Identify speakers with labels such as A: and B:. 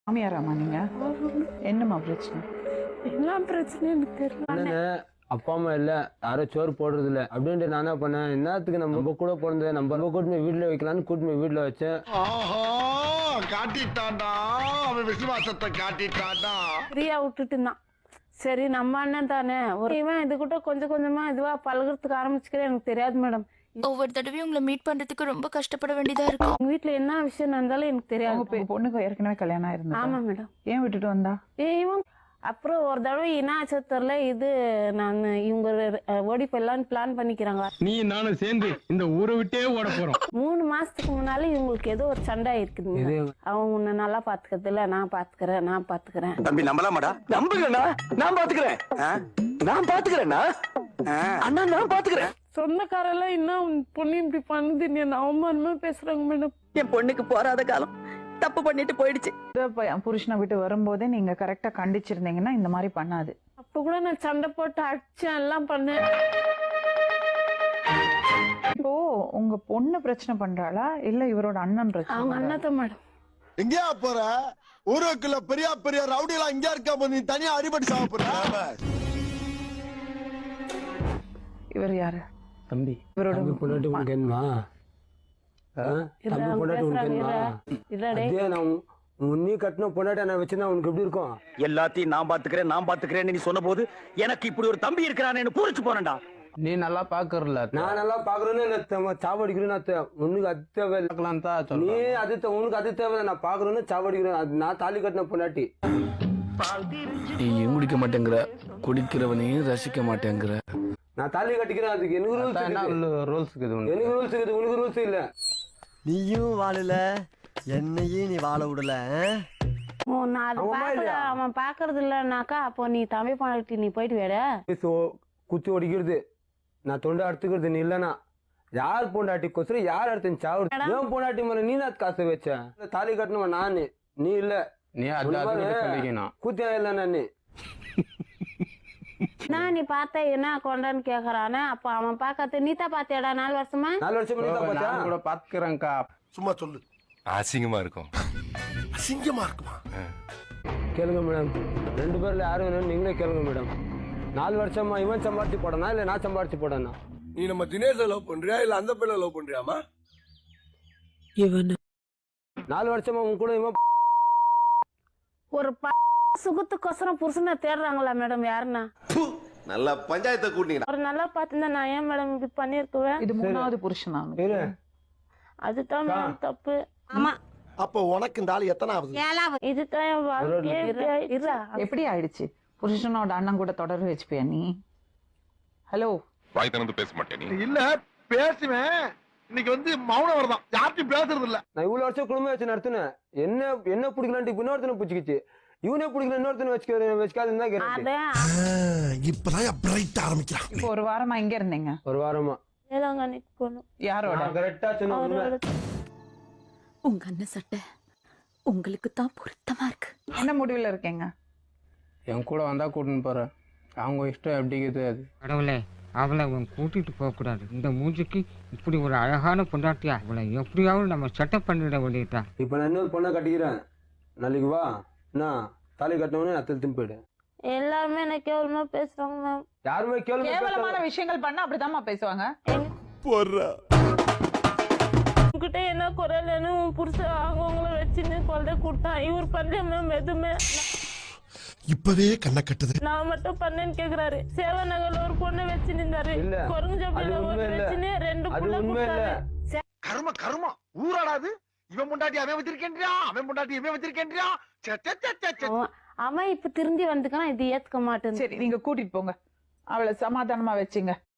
A: மாமியாராமா நீங்க? என்னம்மா பிரச்சனை?
B: எல்லாம் பிரச்சனை எனக்கு தெரியல.
C: அப்பா அம்மா இல்ல, யாரும் சோறு போடுறது இல்ல அப்படின்ட்டு நான் என்ன பண்ணேன், என்னத்துக்கு நம்ம கூட பிறந்தது நம்ம கூட்டு வீட்டுல வைக்கலாம்னு கூட்டு வீட்டுல வச்சேன்.
D: காட்டிட்டான்டா அவன் விசுவாசத்தை காட்டிட்டான்டா.
B: ஃப்ரீயா விட்டுட்டு இருந்தான். சரி நம்ம அண்ணன் தானே, ஒரு இவன் இது கூட கொஞ்சம் கொஞ்சமா இதுவா பழகிறதுக்கு ஆரம்பிச்சுக்கிறேன். எனக்கு தெரியாது மேடம்.
E: ஒவ்வொரு தடவையும் உங்களை மீட் பண்றதுக்கு ரொம்ப கஷ்டப்பட வேண்டியதா இருக்கும்.
B: உங்க வீட்டுல என்ன விஷயம் நடந்தாலும் எனக்கு தெரியாது.
A: உங்க பொண்ணுக்கு ஏற்கனவே கல்யாணம் ஆயிருந்தா?
B: ஆமா மேடம்.
A: ஏன் விட்டுட்டு வந்தா?
B: இவன் அப்புறம் ஒரு தடவை இனாச்சத்துல இது நான் இவங்க ஓடி போயிடலான்னு பிளான் பண்ணிக்கிறாங்க.
F: நீ நானும் சேர்ந்து இந்த ஊரை விட்டே ஓட போறோம்.
B: 3 மாசத்துக்கு முன்னால இவங்களுக்கு ஏதோ ஒரு சண்டை இருக்குது. அவன் உன்னை நல்லா பாத்துக்கிறது இல்ல, நான் பாத்துக்கிறேன்.
G: தம்பி நம்பலாமாடா? நம்புங்கண்ணா, நான் பாத்துக்கிறேன். நான் பாத்துக்கிறேன்னா அண்ணா, நான் பாத்துக்கிறேன்.
B: சொந்தக்காரெல்லாம் இன்னும் பொண்ணு இப்படி பண்ணுது, நீ அவமானமா பேசுறாங்க மேடம்.
H: என் பொண்ணுக்கு போறாத காலம் தப்பு பண்ணிட்டு போயிடுச்சு.
A: புருஷனை விட்டு வரும்போதே நீங்க கரெக்டா கண்டிச்சிருந்தீங்கன்னா இந்த மாதிரி பண்ணாது.
B: அப்ப கூட நான் சண்டை போட்டு அடிச்சேன், எல்லாம் பண்ணேன்.
A: இப்போ உங்க பொண்ணு பிரச்சனை பண்றாளா இல்ல இவரோட அண்ணன் பிரச்சனை?
B: அவங்க அண்ணாத்த மேடம்.
D: எங்கயா போற? ஊருக்குள்ள பெரிய பெரிய ரவுடி எல்லாம் இங்க இருக்கா, நீ தனியா அடிபட்டு சாக போற.
A: இவர் யாரு?
C: தம்பி.
A: இவரோட
C: பொண்டாட்டி உனக்கு என்னமா? தம்பி பொண்டாட்டி உனக்கு என்னமா? அதே நான் உன்னி கட்டின பொண்டாட்டி நான் வச்சிருந்தா உனக்கு எப்படி இருக்கும்?
G: எல்லாத்தையும் நான் பாத்துக்கிறேன் நீ சொன்ன போது எனக்கு இப்படி ஒரு தம்பி இருக்கிறான்னு பூரிச்சு போறேன்டா.
F: நீ நல்லா பாக்குறல,
C: நான் நல்லா பாக்குறேன்னு சாவடிக்கிறேன். உனக்கு அது தேவை தான். நீ அது உனக்கு அது தேவை. நான் பாக்குறேன்னு சாவடிக்கிறேன். நான் தாலி கட்டின பொண்டாட்டி.
I: நீயும் குடிக்க மாட்டேங்கிற, குடிக்கிறவனையும் ரசிக்க மாட்டேங்கிற.
C: நான் தாலி கட்டிக்கிறேன். அதுக்கு எனக்கு ரூல்ஸ் இருக்குது. எனக்கு ரூல்ஸ் இருக்குது, உனக்கு ரூல்ஸ் இல்ல.
J: நீயும் வாழல, என்னையும் நீ வாழ விடல.
B: அவன் பாக்குறது இல்லனாக்கா அப்போ நீ தம்பி பொண்டாட்டி நீ போயிட்டு வேட
C: குத்தி ஒடிக்கிறது, நான் தொண்டை அறுத்துக்கிறது. நீ இல்லனா யார் பொண்டாட்டி கொசரம் யார் அடுத்து சாவு? ஏன் பொண்டாட்டி மேல நீ நான் காசு வச்ச? தாலி கட்டணுமா நானு, நீ இல்ல.
F: நீ
C: கூத்தியா இல்ல நானு.
B: நான் நீ பார்த்த என்ன கொண்டான்னு கேக்குறானே, அப்ப அவன் பாக்காத நீ தான் பாத்தியாடா 4 வருஷமா?
C: 4 வருஷமா நீ தான் பாத்தியா?
F: கூட பாத்துக்கிறேன்க்கா.
D: சும்மா சொல்லு.
I: அசிங்கமா இருக்கும்.
D: அசிங்கமா இருக்குமா?
C: கேளுங்க மேடம், 2 பேர்ல யாரு வேணும் நீங்களே கேளுங்க மேடம். 4 வருஷமா இவன் சம்பாரிச்சு போடனா இல்ல நான் சம்பாரிச்சு போடனா?
D: நீ நம்ம தினேஷ் லவ் பண்றியா இல்ல அந்த பிள்ளை லவ் பண்றியாமா?
B: இவன்
C: 4 வருஷமா உன் கூட இவன்
B: ஒரு சுகத்துக்கோசரம் புருஷனை தேடுறாங்களா மேடம்? யாருன்னா
D: நல்ல பஞ்சாயத்தை கூட்டிங்க.
B: ஒரு நல்லா பாத்துருந்தா நான் ஏன் மேடம் இப்படி பண்ணிருக்குவேன்?
A: இது 3வது புருஷனா?
B: அதுதான் மேடம் தப்பு.
H: ஆமா.
D: அப்ப உனக்கு இந்த ஆளு எத்தனை ஆகுது?
B: இதுதான் என் வாழ்க்கை.
A: எப்படி ஆயிடுச்சு? புருஷனோட அண்ணன் கூட தொடர்பு வச்சுப்பியா நீ? ஹலோ,
I: வாய் திறந்து பேச மாட்டேன். நீ
D: இல்ல பேசுவேன். இன்னைக்கு வந்து மௌனம் வரதான், யார்ட்டும் பேசுறது இல்ல.
C: நான் இவ்வளவு வருஷம் குடும்பம் வச்சு நடத்தினேன். என்ன பிடிக்கலான்ட்டு இப்ப இன்னொருத்தனை பிடிச்சிக்கிச்சு. இவனே பிடிக்கல இன்னொருத்தனை வச்சுக்காதுன்னு தான் கேட்டேன்.
D: இப்பதான் பிரைட் ஆரம்பிக்கிறான்.
A: இப்போ ஒரு வாரமா எங்க இருந்தீங்க?
C: ஒரு வாரமா
B: வேளாங்கண்ணிக்கு போகணும்.
A: யாரோட?
C: கரெக்டா சொன்ன.
E: உங்க அண்ணன் சட்டை உங்களுக்கு தான் பொருத்தமா இருக்கு.
A: என்ன முடிவுல இருக்கீங்க?
F: என் கூட வந்தா கூட்டின்னு போறேன். அவங்க இஷ்டம் எப்படிக்குது அது.
K: கடவுளே, அவளை கூட்டிட்டு போக கூடாது. இந்த மூஞ்சிக்கு இப்படி ஒரு அழகான பொண்டாட்டியா அவளை எப்படியாவது நம்ம செட்டப் பண்ணிட வேண்டியதா.
C: இப்ப நான் இன்னொரு பொண்ணை கட்டிக்கிறேன். நாளைக்கு வா, நான் தாலி கட்டினவனே நான் திரும்பி போயிடு.
B: எல்லாருமே என்ன கேவலமா பேசுறாங்க மேம்.
C: யாருமே
A: கேவலமான விஷயங்கள் பண்ணா அப்படிதாம்மா பேசுவாங்க.
B: உங்ககிட்ட என்ன குறையிலன்னு உன் புருஷன் அவங்கள வச்சுன்னு கொல்ல கொடுத்தான். இவர் பண்ணல மேம் எதுவுமே.
D: இப்பவே கண்ண கட்டுது.
B: நான் மட்டும் பண்ணேன்னு கேக்குறாரு. சேவ நகர்ல ஒரு பொண்ணை வச்சு நின்றாரு. குரங்குஜப்பில வச்சுன்னு 2 பொண்ணை கொடுத்தாரு.
D: கர்ம ஊராடாது. இவன் பொண்டாட்டி அவன் வச்சிருக்கேன்றியா, அவன் பொண்டாட்டி இவன் வச்சிருக்கேன்றியா.
B: அவன் இப்ப திரும்பி வந்துக்கான், இது ஏத்துக்க மாட்டேன்.
A: சரி, நீங்க கூட்டிட்டு போங்க, அவளை சமாதானமா வச்சுங்க.